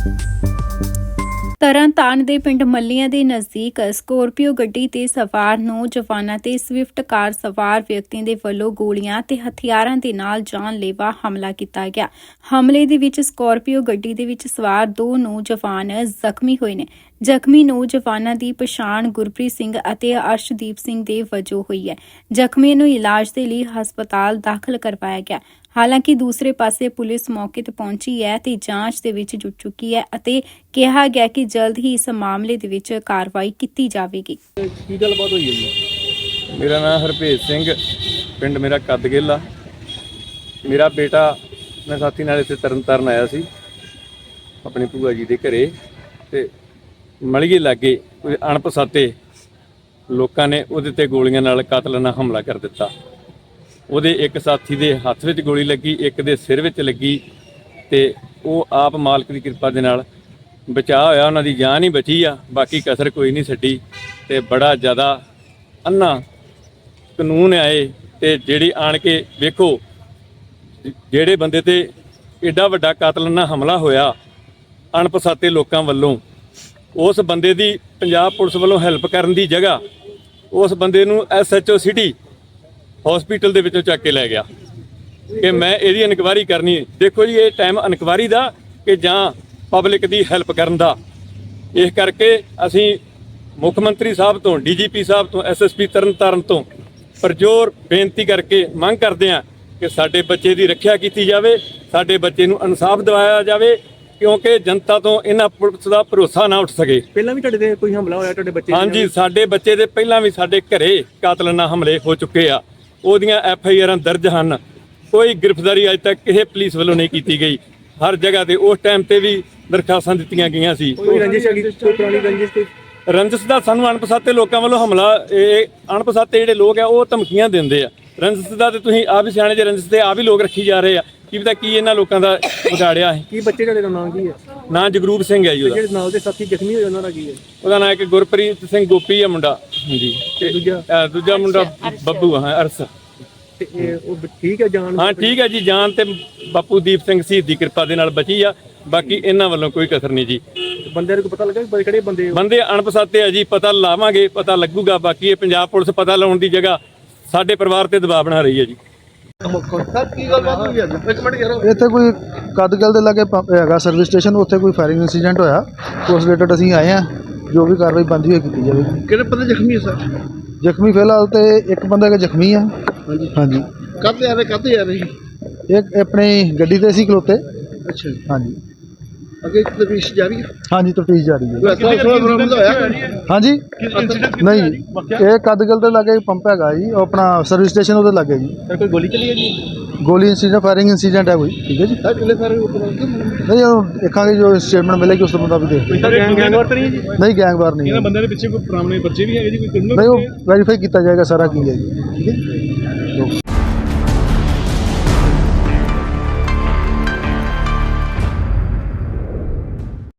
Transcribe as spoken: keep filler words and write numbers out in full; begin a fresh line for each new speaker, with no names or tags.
ਤਰਨਤਾਰਨ ਦੇ ਪਿੰਡ ਮੱਲੀਆਂ ਦੇ ਨਜ਼ਦੀਕ ਸਕੋਰਪੀਓ ਗੱਡੀ ਤੇ ਸਵਾਰ ਨੌਜਵਾਨਾਂ ਤੇ ਸਵਿਫਟ ਕਾਰ ਸਵਾਰ ਵਿਅਕਤੀਆਂ ਦੇ ਵੱਲੋਂ ਗੋਲੀਆਂ ਤੇ ਹਥਿਆਰਾਂ ਦੇ ਨਾਲ ਜਾਨਲੇਵਾ ਹਮਲਾ ਕੀਤਾ ਗਿਆ। ਹਮਲੇ ਦੇ ਵਿੱਚ ਸਕੋਰਪੀਓ ਗੱਡੀ ਦੇ ਵਿੱਚ ਸਵਾਰ ਦੋ ਨੌਜਵਾਨ ਜ਼ਖਮੀ ਹੋਏ ਨੇ। ਜ਼ਖਮੀ ਨੌਜਵਾਨਾਂ ਦੀ ਪਛਾਣ ਗੁਰਪ੍ਰੀਤ ਸਿੰਘ ਅਤੇ ਅਰਸ਼ਦੀਪ ਸਿੰਘ ਦੇ ਵਜੋਂ ਹੋਈ ਹੈ। ਜ਼ਖਮੀਆਂ ਨੂੰ ਇਲਾਜ ਦੇ ਲਈ ਹਸਪਤਾਲ ਦਾਖਲ ਕਰਵਾਇਆ ਗਿਆ। ਹਾਲਾਂਕਿ ਦੂਸਰੇ ਪਾਸੇ ਪੁਲਿਸ ਮੌਕੇ ਤੇ ਪਹੁੰਚੀ ਹੈ ਤੇ ਜਾਂਚ ਦੇ ਵਿੱਚ ਜੁਟ ਚੁੱਕੀ ਹੈ ਅਤੇ ਕਿਹਾ ਗਿਆ ਕਿ ਜਲਦ ਹੀ ਇਸ ਮਾਮਲੇ ਦੇ ਵਿੱਚ ਕਾਰਵਾਈ ਕੀਤੀ ਜਾਵੇਗੀ।
ਕੀ ਗੱਲਬਾਤ ਹੋਈ ਹੈ ਜੀ?
ਮੇਰਾ ਨਾਮ ਹਰਭੇਜ ਸਿੰਘ, ਪਿੰਡ ਮੇਰਾ ਕੱਦਗਿੱਲ ਆ। ਮੇਰਾ ਬੇਟਾ ਮੈਂ ਸਾਥੀ ਨਾਲ ਇੱਥੇ ਤਰਨਤਾਰਨ ਆਇਆ ਸੀ ਆਪਣੀ ਭੂਆ ਜੀ ਦੇ ਘਰੇ, ਤੇ ਮਲੀਏ ਲਾਗੇ ਕੋਈ ਅਣਪਛਾਤੇ ਲੋਕਾਂ ਨੇ ਉਹਦੇ ਤੇ ਗੋਲੀਆਂ ਨਾਲ ਕਾਤਲਾਨਾ ਹਮਲਾ ਕਰ ਦਿੱਤਾ। ਉਹਦੇ ਇੱਕ ਸਾਥੀ ਦੇ ਹੱਥ ਵਿੱਚ ਗੋਲੀ ਲੱਗੀ, ਇੱਕ ਦੇ ਸਿਰ ਵਿੱਚ ਲੱਗੀ, ਤੇ ਉਹ ਆਪ ਮਾਲਕ ਦੀ ਕਿਰਪਾ ਦੇ ਨਾਲ ਬਚਾਅ ਹੋਇਆ, ਉਹਨਾਂ ਦੀ ਜਾਨ ਹੀ ਬਚੀ ਆ, ਬਾਕੀ ਕਸਰ ਕੋਈ ਨਹੀਂ ਛੱਡੀ। ਤੇ ਬੜਾ ਜ਼ਿਆਦਾ ਅੰਨਾ ਕਾਨੂੰਨ ਆਏ ਤੇ ਜਿਹੜੀ ਆਣ ਕੇ ਵੇਖੋ ਜਿਹੜੇ ਬੰਦੇ ਤੇ ਏਡਾ ਵੱਡਾ ਕਾਤਲਾਨਾ ਹਮਲਾ ਹੋਇਆ ਅਣਪਛਾਤੇ ਲੋਕਾਂ ਵੱਲੋਂ, ਉਸ ਬੰਦੇ ਦੀ ਪੰਜਾਬ ਪੁਲਿਸ ਵੱਲੋਂ ਹੈਲਪ ਕਰਨ ਦੀ ਜਗ੍ਹਾ ਉਸ ਬੰਦੇ ਨੂੰ S H O city hospital ਦੇ ਵਿੱਚੋਂ ਚੱਕ ਕੇ ਲੈ ਗਿਆ ਕਿ ਮੈਂ ਇਹਦੀ ਇਨਕੁਆਇਰੀ ਕਰਨੀ। ਦੇਖੋ ਜੀ, ਇਹ ਟਾਈਮ ਇਨਕੁਆਇਰੀ ਦਾ ਕਿ ਜਾਂ ਪਬਲਿਕ ਦੀ ਹੈਲਪ ਕਰਨ ਦਾ। ਇਸ ਕਰਕੇ ਅਸੀਂ ਮੁੱਖ ਮੰਤਰੀ ਸਾਹਿਬ ਤੋਂ, ਡੀ ਜੀ ਪੀ ਸਾਹਿਬ ਤੋਂ, ਐਸ ਐਸ ਪੀ ਤਰਨਤਾਰਨ ਤੋਂ ਪਰਜੋਰ ਬੇਨਤੀ ਕਰਕੇ ਮੰਗ ਕਰਦੇ ਹਾਂ ਕਿ ਸਾਡੇ ਬੱਚੇ ਦੀ ਰੱਖਿਆ ਕੀਤੀ ਜਾਵੇ, ਸਾਡੇ ਬੱਚੇ ਨੂੰ ਇਨਸਾਫ ਦਿਵਾਇਆ ਜਾਵੇ, ਕਿਉਂਕਿ ਜਨਤਾ ਤੋਂ ਇਹਨਾਂ ਪੁਲਿਸ ਦਾ ਭਰੋਸਾ ਨਾ ਉੱਠ ਸਕੇ।
ਪਹਿਲਾਂ ਵੀ ਤੁਹਾਡੇ ਤੇ ਕੋਈ ਹਮਲਾ ਹੋਇਆ ਤੁਹਾਡੇ ਬੱਚੇ?
ਹਾਂਜੀ, ਸਾਡੇ ਬੱਚੇ ਦੇ ਪਹਿਲਾਂ ਵੀ ਸਾਡੇ ਘਰੇ ਕਾਤਲਾਨਾ ਹਮਲੇ ਹੋ ਚੁੱਕੇ ਆ। ਉਹਦੀਆਂ ਐਫ ਆਈ ਆਰਾਂ ਦਰਜ ਹਨ। ਕੋਈ ਗ੍ਰਿਫਤਾਰੀ ਅਜੇ ਤੱਕ ਕਿਸੇ ਪੁਲਿਸ ਵੱਲੋਂ ਨਹੀਂ ਕੀਤੀ ਗਈ। ਹਰ ਜਗ੍ਹਾ ਤੇ ਉਸ ਟਾਈਮ ਤੇ ਵੀ ਦਰਖਾਸਤਾਂ ਦਿੱਤੀਆਂ ਗਈਆਂ ਸੀ।
ਕੋਈ ਰੰਜਿਸ਼ ਹੈਗੀ? ਕੋਈ ਪੁਰਾਣੀ ਰੰਜਿਸ਼? ਕੋਈ
ਰੰਜਿਸ਼ ਦਾ ਸਾਨੂੰ ਅਣਪਛਾਤੇ ਲੋਕਾਂ ਵੱਲੋਂ ਹਮਲਾ, ਇਹ ਅਣਪਛਾਤੇ ਜਿਹੜੇ ਲੋਕ ਆ ਉਹ ਧਮਕੀਆਂ ਦਿੰਦੇ ਆ। ਰੰਜਿਸ਼ ਦਾ ਤੇ ਤੁਸੀਂ ਆਪ ਹੀ ਸਿਆਣੇ ਜੇ, ਰੰਜਿਸ਼ ਤੇ ਆਪ ਹੀ ਲੋਕ ਰੱਖੀ ਜਾ ਰਹੇ ਆ। ਕੀ ਪਤਾ ਕੀ ਇਹਨਾਂ ਲੋਕਾਂ ਦਾ ਵਿਗਾੜਿਆ ਹੈ।
ਕੀ ਬੱਚੇ ਤੁਹਾਡੇ ਦਾ ਨਾਮ ਕੀ ਹੈ?
ਨਾਂ ਜਗਰੂਪ ਸਿੰਘ ਹੈ ਜੀ ਉਹਦਾ।
ਜਿਹੜੇ ਨਾਲ ਦੇ ਸਾਥੀ ਜ਼ਖਮੀ ਹੋਏ ਉਹਨਾਂ ਦਾ ਕੀ ਹੈ?
ਉਹਦਾ ਨਾਂ ਇੱਕ ਗੁਰਪ੍ਰੀਤ ਸਿੰਘ ਗੋਪੀ ਆ ਮੁੰਡਾ। ਹਾਂਜੀ,
ਤੇ ਦੂਜਾ?
ਅਹ ਦੂਜਾ ਮੁੰਡਾ ਬੱਬੂ ਆ, ਹਾਂ, ਅਰਸ।
ਤੇ ਇਹ ਉਹ ਠੀਕ ਹੈ ਜਾਨ?
ਹਾਂ ਠੀਕ ਹੈ ਜੀ, ਜਾਨ ਤੇ ਬਾਪੂ ਦੀਪ ਸਿੰਘ ਸ਼ਹੀਦ ਦੀ ਕਿਰਪਾ ਦੇ ਨਾਲ ਬਚੀ ਆ। ਬਾਕੀ ਇਹਨਾਂ ਵੱਲੋਂ ਕੋਈ ਕਸਰ ਨਹੀਂ ਜੀ।
ਬੰਦੇ ਨੂੰ ਪਤਾ ਲੱਗਾ ਕਿ ਕਿਹੜੇ ਬੰਦੇ?
ਬੰਦੇ ਅਣਪਛਾਤੇ ਆ ਜੀ, ਪਤਾ ਲਾਵਾਂਗੇ, ਪਤਾ ਲੱਗੂਗਾ। ਬਾਕੀ ਇਹ ਪੰਜਾਬ ਪੁਲਿਸ ਪਤਾ ਲਾਉਣ ਦੀ ਜਗ੍ਹਾ ਸਾਡੇ ਪਰਿਵਾਰ ਤੇ ਦਬਾਅ ਬਣਾ ਰਹੀ ਹੈ ਜੀ।
ਇੱਥੇ ਕੋਈ ਕੱਦਗਿੱਲ ਦੇ ਲਾਗੇ ਪੰਪ ਹੈਗਾ ਸਰਵਿਸ ਸਟੇਸ਼ਨ, ਉੱਥੇ ਕੋਈ ਫਾਇਰਿੰਗ ਇੰਸੀਡੈਂਟ ਹੋਇਆ। ਉਸ ਰਿਲੇਟਡ ਅਸੀਂ ਆਏ ਹਾਂ, ਜੋ ਵੀ ਕਾਰਵਾਈ ਬਣਦੀ ਹੋਈ ਕੀਤੀ ਜਾਵੇਗੀ।
ਕਿਹੜੇ ਬੰਦੇ ਜ਼ਖਮੀ ਹੈ ਸਰ?
ਜ਼ਖਮੀ ਫਿਲਹਾਲ ਤੇ ਇੱਕ ਬੰਦਾ ਜ਼ਖਮੀ ਆ।
ਹਾਂਜੀ
ਹਾਂਜੀ।
ਕਾਹਤੇ ਆ ਰਹੇ ਕਾਹਤੇ ਆ ਰਹੇ?
ਇੱਕ ਆਪਣੀ ਗੱਡੀ ਤੇ ਸੀ ਖਲੋਤੇ।
ਅੱਛਾ ਜੀ।
ਹਾਂਜੀ।
ਅੱਗੇ ਤਫਤੀਸ਼ ਜਾਰੀ ਹੈ?
ਹਾਂਜੀ, ਤਫਤੀਸ਼ ਜਾਰੀ ਹੈ।
ਐਸਾ ਸੋਨਾ ਬਰਾਮਦ ਹੋਇਆ?
ਹਾਂਜੀ, ਨਹੀਂ, ਇਹ ਕੱਦਗਿੱਲ ਦੇ ਲਾਗੇ ਪੰਪ ਹੈਗਾ ਜੀ, ਉਹ ਆਪਣਾ ਸਰਵਿਸ ਸਟੇਸ਼ਨ ਉਹਦੇ ਲਾਗੇ ਜੀ।
ਸਰ ਕੋਈ ਗੋਲੀ ਚੱਲੀ ਹੈ ਜੀ?
ਗੋਲੀ ਇੰਸੀਡੈਂਟ, ਫਾਇਰਿੰਗ ਇੰਸੀਡੈਂਟ ਹੈ ਕੋਈ। ਠੀਕ ਹੈ ਜੀ।
ਸਰ ਕਿੰਨੇ ਸਾਰੇ
ਨਹੀਂ, ਉਹ ਦੇਖਾਂਗੇ ਜੋ ਸਟੇਟਮੈਂਟ ਮਿਲੇਗੀ ਉਸ ਤੋਂ ਬੰਦਾ ਵੀ ਦੇਖ।
ਕੋਈ ਤਾਂ ਗੈਂਗ ਗੈਂਗ ਵਾਰ ਤਾਂ ਨਹੀਂ ਜੀ?
ਨਹੀਂ, ਗੈਂਗਵਾਰ ਨਹੀਂ।
ਇਹਨਾਂ ਬੰਦਿਆਂ ਦੇ ਪਿੱਛੇ ਕੋਈ ਪੁਰਾਣੇ ਬੱਚੇ ਵੀ ਹੈਗੇ ਜੀ? ਕੋਈ
ਨਹੀਂ, ਉਹ ਵੈਰੀਫਾਈ ਕੀਤਾ ਜਾਏਗਾ ਸਾਰਾ ਕੀ ਹੈ ਜੀ। ਠੀਕ ਹੈ।